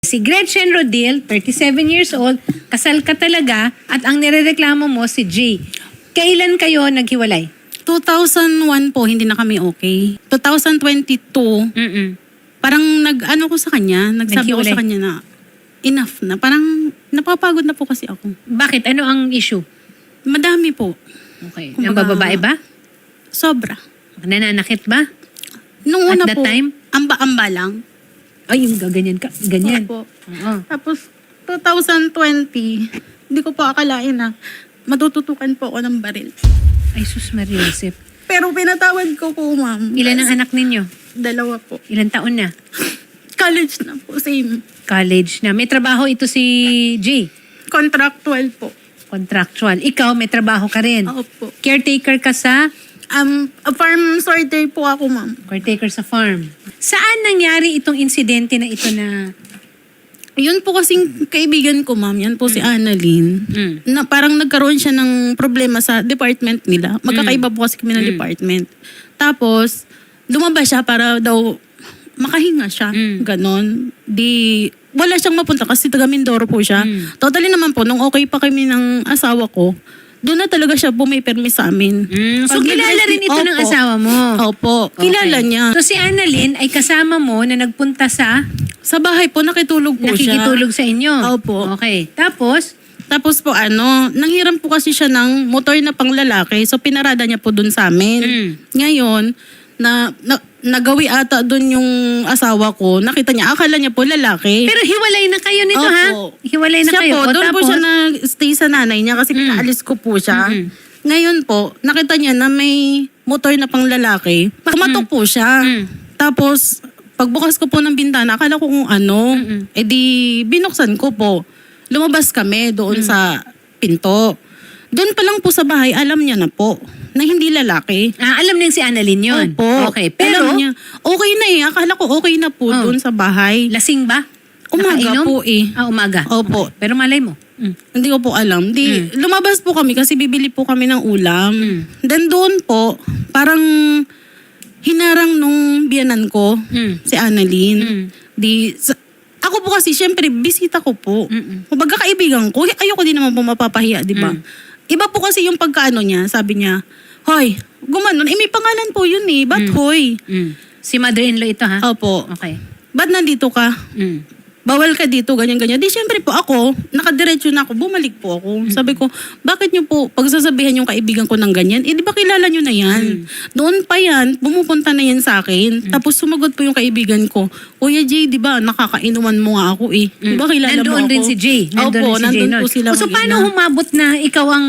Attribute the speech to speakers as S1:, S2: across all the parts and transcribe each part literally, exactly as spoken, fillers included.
S1: Si Gretchen Rodil, thirty-seven years old, kasal ka talaga at ang nirereklamo mo si Jay. Kailan kayo naghiwalay?
S2: two thousand one po, hindi na kami okay. two thousand twenty-two,
S1: Mm-mm.
S2: parang nag-ano ko sa kanya, nagsabi ko
S1: Naghiwalay.
S2: sa kanya na enough na. Parang napapagod na po kasi ako.
S1: Bakit? Ano ang issue?
S2: Madami po.
S1: Okay.
S2: Kumbaga-
S1: Ang bababae ba?
S2: Sobra.
S1: Nananakit ba?
S2: Nung
S1: At
S2: una
S1: that
S2: po,
S1: time?
S2: amba-amba lang.
S1: Ay, yung gaganyan ka. Ganyan.
S2: Opo.
S1: Oo.
S2: Tapos, two thousand twenty, hindi ko po akalain na matututukan po ako ng baril.
S1: Ay, sus Maria Josep.
S2: Pero pinatawad ko po, ma'am.
S1: Ilan ang anak ninyo?
S2: Dalawa po.
S1: Ilan taon na?
S2: College na po, same.
S1: College na. May trabaho ito si Jay.
S2: Contractual po.
S1: Contractual. Ikaw, may trabaho ka rin.
S2: Opo.
S1: Caretaker ka sa
S2: Um, a farm sorter po ako, ma'am.
S1: caretaker sa farm. Saan nangyari itong insidente na ito na...
S2: Yun po kasing kaibigan ko, ma'am. Yan po si Annalyn.
S1: Mm.
S2: Na parang nagkaroon siya ng problema sa department nila. Magkakaiba po kasi kami ng department. Tapos, lumabas siya para daw makahinga siya.
S1: Mm.
S2: Ganon. Di, wala siyang mapunta kasi taga Mindoro po siya.
S1: Mm.
S2: Totally naman po, nung okay pa kami ng asawa ko, doon na talaga siya bumipermi sa amin.
S1: Mm, so,
S2: Pag
S1: kilala
S2: nag-
S1: rin ito ng
S2: Opo.
S1: asawa mo?
S2: Opo. Kilala
S1: Okay.
S2: niya.
S1: So, si Annalyn ay kasama mo na nagpunta sa...
S2: Sa bahay po, nakitulog po siya.
S1: nakikitulog sa inyo?
S2: Opo.
S1: Okay. Tapos,
S2: Tapos po ano, nanghiram po kasi siya ng motor na panglalaki. So pinarada niya po dun sa amin.
S1: Mm.
S2: Ngayon, na, na nagawi ata dun yung asawa ko. Nakita niya, akala niya po lalaki.
S1: pero hiwalay na kayo nito, ha?
S2: Opo.
S1: Hiwalay na
S2: siya
S1: kayo.
S2: po,
S1: O,
S2: doon po
S1: tapos,
S2: siya nag-stay sa nanay niya kasi
S1: Mm.
S2: pinaalis ko po siya.
S1: Mm-mm.
S2: Ngayon po, nakita niya na may motor na panglalaki. Kumatok po siya.
S1: Mm.
S2: Tapos, pagbukas ko po ng bintana, akala ko kung ano,
S1: Mm-mm.
S2: eh di binuksan ko po. Lumabas kami doon
S1: Mm.
S2: sa pinto. Doon pa lang po sa bahay, alam niya na po na hindi lalaki.
S1: Ah, alam din si Annalyn yun?
S2: Opo.
S1: Okay. Pero,
S2: Alam niya, okay na eh. Akala ko okay na po
S1: Oh.
S2: doon sa bahay.
S1: lasing ba?
S2: Umaga
S1: Nakainom?
S2: po eh.
S1: Ah, umaga.
S2: Opo.
S1: Okay. Pero malay mo. Mm.
S2: Hindi ko po alam. Di, lumabas po kami kasi bibili po kami ng ulam.
S1: Mm.
S2: Then doon po, parang hinarang nung biyanan ko,
S1: Mm.
S2: si Annalyn.
S1: Mm.
S2: Di, sa- ako po kasi, syempre, bisita ko po.
S1: Mm-mm.
S2: Kumbaga kaibigan ko, ayoko din naman po mapapahiya, di ba?
S1: Mm.
S2: Iba po kasi yung pagkaano niya, sabi niya, hoy, gumanon, eh may pangalan po yun eh, ba't
S1: Mm.
S2: hoy?
S1: Mm. Si mother-in-law ito, ha?
S2: Opo,
S1: Okay.
S2: ba't nandito ka?
S1: Mm.
S2: Bawal ka dito, ganyan-ganyan. Di syempre po ako, nakadiretso na ako, bumalik po ako. Sabi ko, bakit niyo po pagsasabihan yung kaibigan ko ng ganyan? Eh di ba kilala niyo na yan? Doon pa yan, bumupunta na yan sa akin. Tapos sumagot po yung kaibigan ko, Kuya Jay, di ba nakakainuman mo nga ako eh. Di ba kilala
S1: Nandoon
S2: mo ako?
S1: rin si Jay. Nandoon
S2: Opo,
S1: rin si Jay
S2: nandun
S1: nun.
S2: po sila.
S1: O, so,
S2: mag-ina.
S1: paano humabot na ikaw ang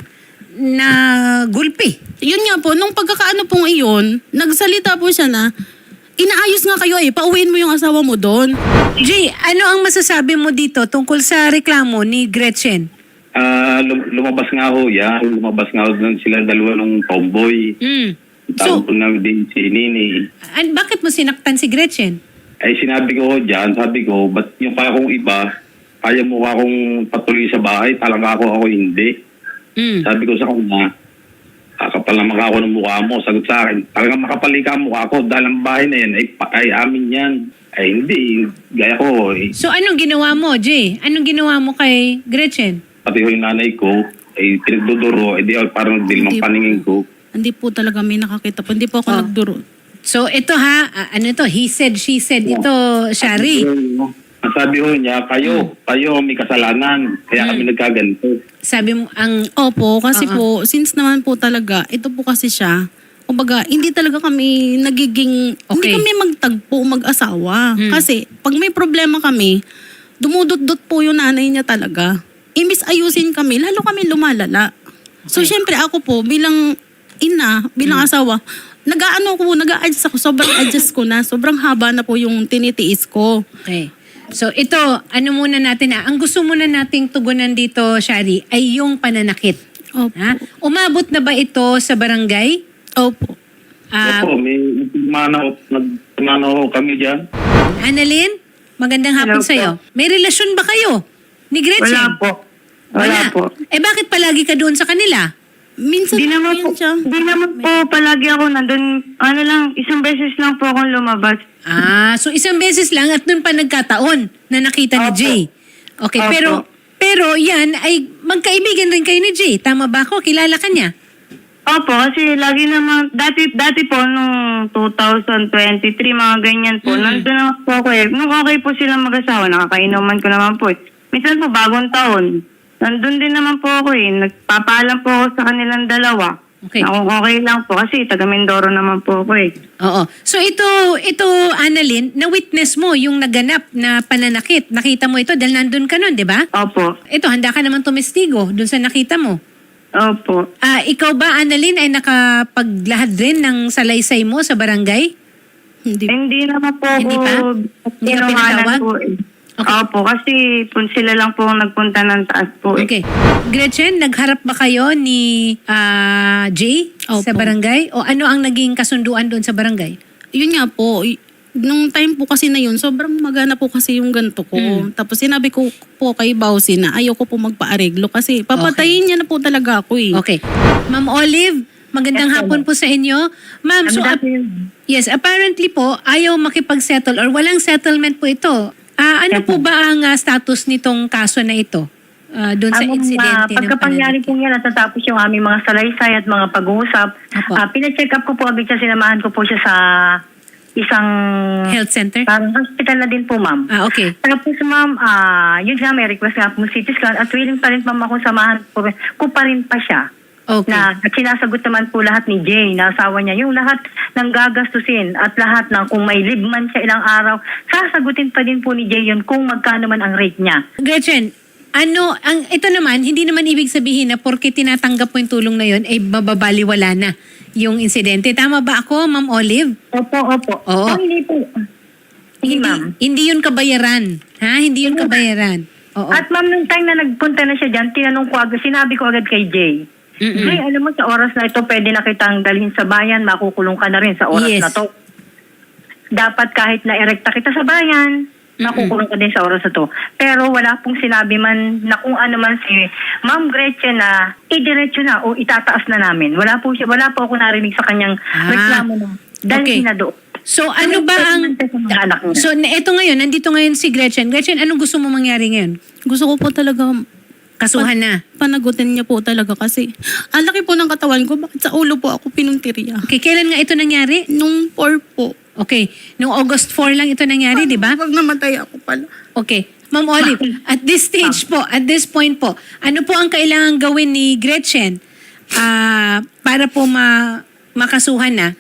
S1: nagulpi?
S2: Yun nga po, nung pagkakaano pong iyon, nagsalita po siya na, inaayos nga kayo eh, pauwiin mo yung asawa mo doon.
S1: Jay, ano ang masasabi mo dito tungkol sa reklamo ni Gretchen?
S3: Ah, lum- lumabas nga ho yan. Lumabas nga ho doon sila dalawa ng tomboy.
S1: Mm.
S3: Tawag
S1: So,
S3: ko na din si Nini.
S1: an- bakit mo sinaktan si Gretchen?
S3: Ay sinabi ko ho dyan, sabi ko, ba't yung pa akong iba, kaya mo akong patuloy sa bahay, talaga ako ako hindi.
S1: Mm.
S3: Sabi ko sa kanya, kakapal na maka ako ng mukha mo. Sagot sa akin, talagang makapal ka ang mukha ko dahil ang bahay na yan ay, pa- ay amin yan. Ay hindi, gaya ko. Eh,
S1: So, anong ginawa mo, Jay? Anong ginawa mo kay Gretchen?
S3: pati ho yung nanay ko, ay pinagduduro, ay di ako parang dilimang
S2: Hindi
S3: paningin ko.
S2: Hindi po talaga may nakakita po. Hindi po ako
S1: Oh.
S2: nagduro.
S1: So, ito ha, ah, ano to, he said, she said, ito, Shari.
S3: Ang sabi ho niya, kayo, kayo may kasalanan. Kaya kami nagkaganito.
S1: Sabi mo, ang,
S2: Opo, kasi
S1: Oo.
S2: po, since naman po talaga, ito po kasi siya, kumbaga, hindi talaga kami nagiging, hindi
S1: Okay.
S2: kami magtagpo, mag-asawa.
S1: Hmm.
S2: Kasi, pag may problema kami, dumudot-dot po yung nanay niya talaga. Imbis ayusin kami, lalo kami lumalala. So, syempre ako po, bilang ina, bilang asawa, nag-ano ko, nag-a-adjust ako, sobrang adjust ko na, sobrang haba na po yung tinitiis ko.
S1: okay. So, ito, ano muna natin ha, ang gusto muna nating tugunan dito, Shari, ay yung pananakit.
S2: Opo.
S1: Ha? Umabot na ba ito sa barangay?
S2: Opo.
S1: Ah,
S3: Opo, may nagmano, nagmano kami dyan.
S1: Annalyn, magandang hapon
S4: Hello po.
S1: sa'yo. May relasyon ba kayo ni Gretchen?
S4: Wala po. Wala, po.
S1: Eh bakit palagi ka doon sa kanila?
S2: Minsan
S4: Di naman
S2: po
S4: po,
S2: yan siya.
S4: di naman po palagi ako nandun. Ano lang, isang beses lang po akong lumabas.
S1: Ah, so isang beses lang at doon pa nagkataon na nakita ni
S4: Opo.
S1: Jay. Okay,
S4: Opo.
S1: pero pero yan ay magkaibigan rin kayo ni Jay. Tama ba ako? Kilala ka niya?
S4: Opo, kasi lagi naman, dati, dati po, nung two thousand twenty-three, mga ganyan po,
S1: Mm.
S4: nandun naman po ako eh. Nung okay po silang mag-asawa, nakakainuman ko naman po eh. Minsan po, bagong taon, nandun din naman po ako eh. Nagpapaalam po ako sa kanilang dalawa.
S1: Okay.
S4: Na kung okay lang po, kasi taga Mindoro naman po ako eh.
S1: Oo. So ito, ito Annalyn, na-witness mo yung naganap na pananakit. Nakita mo ito dahil nandun ka nun, di ba?
S4: Opo,
S1: Ito, handa ka naman tumestigo dun sa nakita mo.
S4: opo.
S1: Ah, ikaw ba, Annalyn, ay nakapaglahad rin ng salaysay mo sa barangay?
S2: Hindi.
S4: Hindi naman po
S1: Hindi
S4: ako
S1: pa? Hindi ka
S4: tinuhanan
S1: pinatawag?
S4: po eh.
S1: Okay.
S4: Opo, kasi po, sila lang po ang nagpunta ng taas po eh.
S1: Okay. Gretchen, nagharap ba kayo ni ah, Jay
S2: Opo.
S1: sa barangay? O ano ang naging kasunduan doon sa barangay?
S2: Yun nga po, y- nung time po kasi na yun, sobrang magana po kasi yung ganto ko.
S1: Mm.
S2: Tapos sinabi ko po kay Bausi na ayoko po magpa-areglo kasi papatayin niya na po talaga ako eh.
S1: Okay. Ma'am Olive, magandang
S4: Yes,
S1: hapon po sa inyo. Ma'am, so ap- yes, apparently po, ayaw makipag-settle or walang settlement po ito. Ah, ano
S4: Yes,
S1: po ba ang ah, status nitong kaso na ito? Ah, doon sa
S5: Ang
S1: insidente ng
S5: pagkapangyari
S1: pananakit?
S5: po niya, natatapos yung aming mga salaysay at mga pag-uusap.
S1: Apo.
S5: Uh, pina-check up ko po agad siya, sinamahan ko po siya sa isang
S1: Health center?
S5: parang hospital na din po, ma'am.
S1: Ah, okay.
S5: Tapos, ma'am, ah yun nga, may request nga po C T scan at willing pa rin, ma'am, ako samahan po, ko pa rin pa siya.
S1: Okay.
S5: Na at sinasagot naman po lahat ni Jay, na asawa niya, yung lahat ng gagastusin at lahat ng kung may leave man siya ilang araw, sasagutin pa din po ni Jay yun kung magkano man ang rate niya.
S1: Gretchen, ano, ang ito naman, hindi naman ibig sabihin na porke tinatanggap mo yung tulong na yun, ay mababaliwala na yung insidente. Tama ba ako, Ma'am Olive?
S5: Opo, opo.
S1: Oo.
S5: Oh, hindi po. Hindi, ma'am.
S1: Hindi yun kabayaran. Ha? Hindi yun kabayaran. Oo.
S5: At ma'am, nung time na nagpunta na siya dyan, tinanong ko agad, sinabi ko agad kay Jay.
S1: Mm-mm.
S5: Jay, alam mo, sa oras na ito, pwede na kitang dalhin sa bayan, makukulong ka na rin sa oras
S1: Yes.
S5: na to. Dapat kahit na-erekta kita sa bayan, makukulong ka din sa oras na to. Pero wala pong sinabi man na kung ano man si Ma'am Gretchen na idiretso na o itataas na namin. Wala po siya, wala po ako narinig sa kanyang
S1: Ah,
S5: reklamo na dalhin
S1: okay.
S5: na doon.
S1: So, ano ba ang...
S5: Sa mga anak niya.
S1: So, na- eto ngayon, nandito ngayon si Gretchen. Gretchen, anong gusto mo mangyari ngayon?
S2: Gusto ko po talaga
S1: Kasuhan na.
S2: panagutin niya po talaga kasi ang laki po ng katawan ko, bakit sa ulo po ako pinuntirya?
S1: Okay, kailan nga ito nangyari?
S2: Nung four po.
S1: Okay, noong August four lang ito nangyari, di ba?
S2: Pag namatay ako pala.
S1: Okay. Ma'am Olive, at this stage po, at this point po, ano po ang kailangan gawin ni Gretchen ah, para po ma makasuhan na?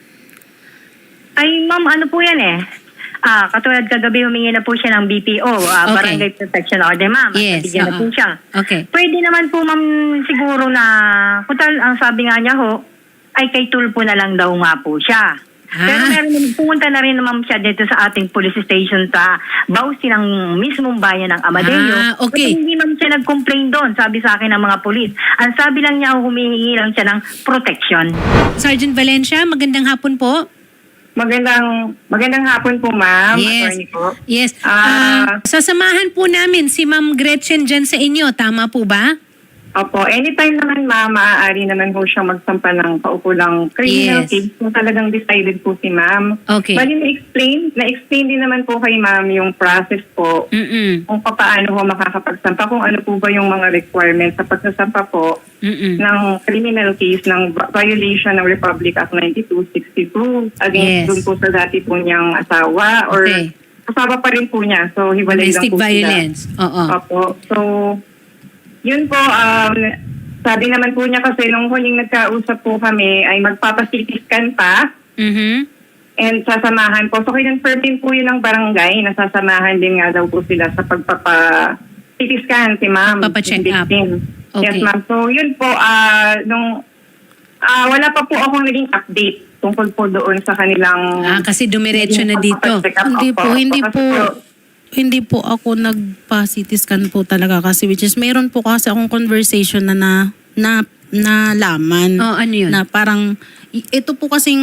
S5: Ay, ma'am, ano po yan eh? Ah, katulad kagabi humingi na po siya ng B P O, ah,
S1: Okay.
S5: Barangay Protection Order, ma'am. At
S1: Yes,
S5: nabigyan na
S1: oo.
S5: po siya.
S1: Okay.
S5: Pwede naman po, ma'am, siguro na, kutal, ang sabi nga niya ho, ay kay Tulpo na lang daw nga po siya.
S1: Ah.
S5: Pero meron, pumunta na rin naman siya dito sa ating police station sa Bausi ng mismong bayan ng Amadeo.
S1: Ah, okay.
S5: Pero hindi naman siya nag-complain doon, sabi sa akin ng mga polis. Ang sabi lang niya, humihingi lang siya ng protection.
S1: Sergeant Valencia, magandang hapon po.
S4: Magandang magandang hapon po, ma'am.
S1: Yes.
S4: Attorney po.
S1: Yes.
S4: Ah.
S1: Ah, sasamahan po namin si Ma'am Gretchen dyan sa inyo. Tama po ba?
S4: Opo, anytime naman, ma'am, maaari naman po siyang magsampa ng kaukulang criminal
S1: Yes.
S4: case kung talagang decided po si ma'am.
S1: Okay.
S4: Bali, na-explain, na-explain din naman po kay ma'am yung process po
S1: Mm-mm.
S4: kung paano ho makakapagsampa, kung ano po ba yung mga requirements sa pagsasampa po
S1: Mm-mm.
S4: ng criminal case ng violation ng Republic Act ninety-two sixty-two
S1: Yes.
S4: against dun po sa dati po niyang asawa or
S1: Okay.
S4: asawa pa rin po niya. So, hiwalay lang
S1: Domestic
S4: po sila.
S1: violence. Oo.
S4: Opo. So, yun po, um, sabi naman po niya kasi nung huling nagkausap po kami ay magpapa-C T scan pa
S1: Mhm.
S4: and sasamahan po. So, kinonfirm din po yun ng barangay na sasamahan din nga daw po sila sa pagpapa-C T scan si ma'am.
S1: Pagpapa-check
S4: yung
S1: up.
S4: victim.
S1: Okay.
S4: Yes, ma'am. So, yun po, ah, nung ah, wala pa po akong naging update tungkol po doon sa kanilang
S1: Ah, kasi dumiretso na dito.
S4: pagpapacheck up.
S2: Hindi po,
S4: Opo,
S2: hindi
S4: kasi
S2: po. Hindi po ako nagpa-C T scan po talaga kasi which is meron po kasi akong conversation na na na, na laman.
S1: Oh, ano yun?
S2: Na parang i- ito po kasing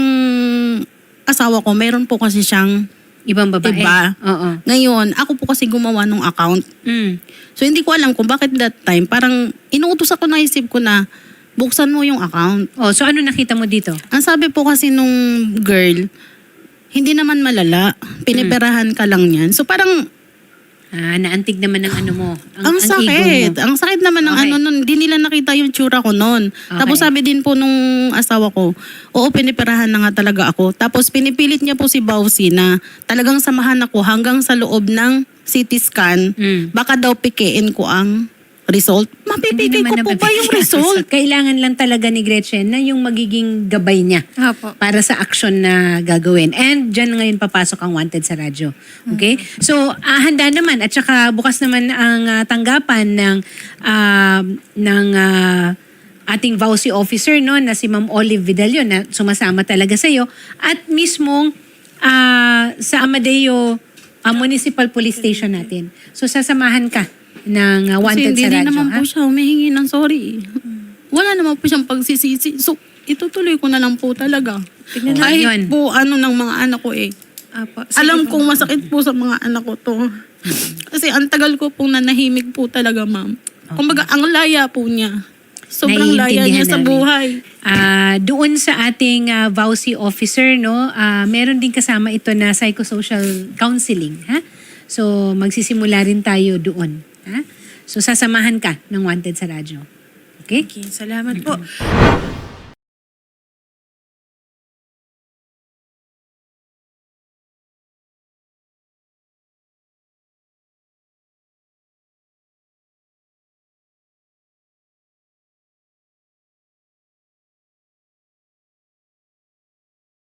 S2: asawa ko, meron po kasi siyang
S1: Ibang babae.
S2: Iba.
S1: Oo.
S2: ngayon, ako po kasi gumawa ng account.
S1: Mm.
S2: So hindi ko alam kung bakit that time parang inuutos ako, naisip ko na buksan mo yung account.
S1: Oh, so ano nakita mo dito?
S2: Ang sabi po kasi nung girl, Hindi naman malala. Piniperahan ka lang yan. So parang
S1: Ah, naantig naman ng ano mo.
S2: ang,
S1: ego
S2: sakit.
S1: mo.
S2: Ang sakit naman ng
S1: Okay.
S2: ano nun. Hindi nila nakita yung tsura ko nun. Tapos sabi din po nung asawa ko, oo, piniperahan na nga talaga ako. Tapos pinipilit niya po si Bausi na talagang samahan ako hanggang sa loob ng C T scan.
S1: Mm.
S2: Baka daw pikein ko ang result.
S1: Hindi
S2: Mapipigay ko
S1: naman
S2: po ba yung
S1: napipigil.
S2: result?
S1: Kailangan lang talaga ni Gretchen na yung magiging gabay niya
S6: Opo.
S1: para sa action na gagawin. And dyan ngayon papasok ang Wanted sa radyo. Okay? So, ah, handa naman at saka bukas naman ang ah, tanggapan ng ah, ng ah, ating V A U C officer no na si Ma'am Olive Vidalio na sumasama talaga sa iyo at mismong ah, sa Amadeo ah, Municipal Police Station natin. So sasamahan ka ng ah,
S2: Kasi
S1: Wanted
S2: hindi
S1: sa
S2: din
S1: radyo.
S2: naman
S1: ha?
S2: po siya humihingi ng sorry. Wala naman po siyang pagsisisi. So, itutuloy ko na lang po talaga.
S1: Tignan natin
S2: Kahit
S1: yun.
S2: po ano ng mga anak ko eh.
S6: Apo. Sige
S2: Alam
S6: po.
S2: kong masakit po sa mga anak ko to. Kasi ang tagal ko pong nanahimik po talaga, ma'am. Kumbaga, ang laya po niya. Sobrang laya niya
S1: Naiintindihan
S2: sa
S1: namin.
S2: buhay.
S1: Ah, doon sa ating ah, V A U C officer, no, ah, meron din kasama ito na psychosocial counseling. Ha? So, magsisimula rin tayo doon. Ha? So, sasamahan ka ng Wanted sa radyo. Okay?
S6: Okay, salamat po.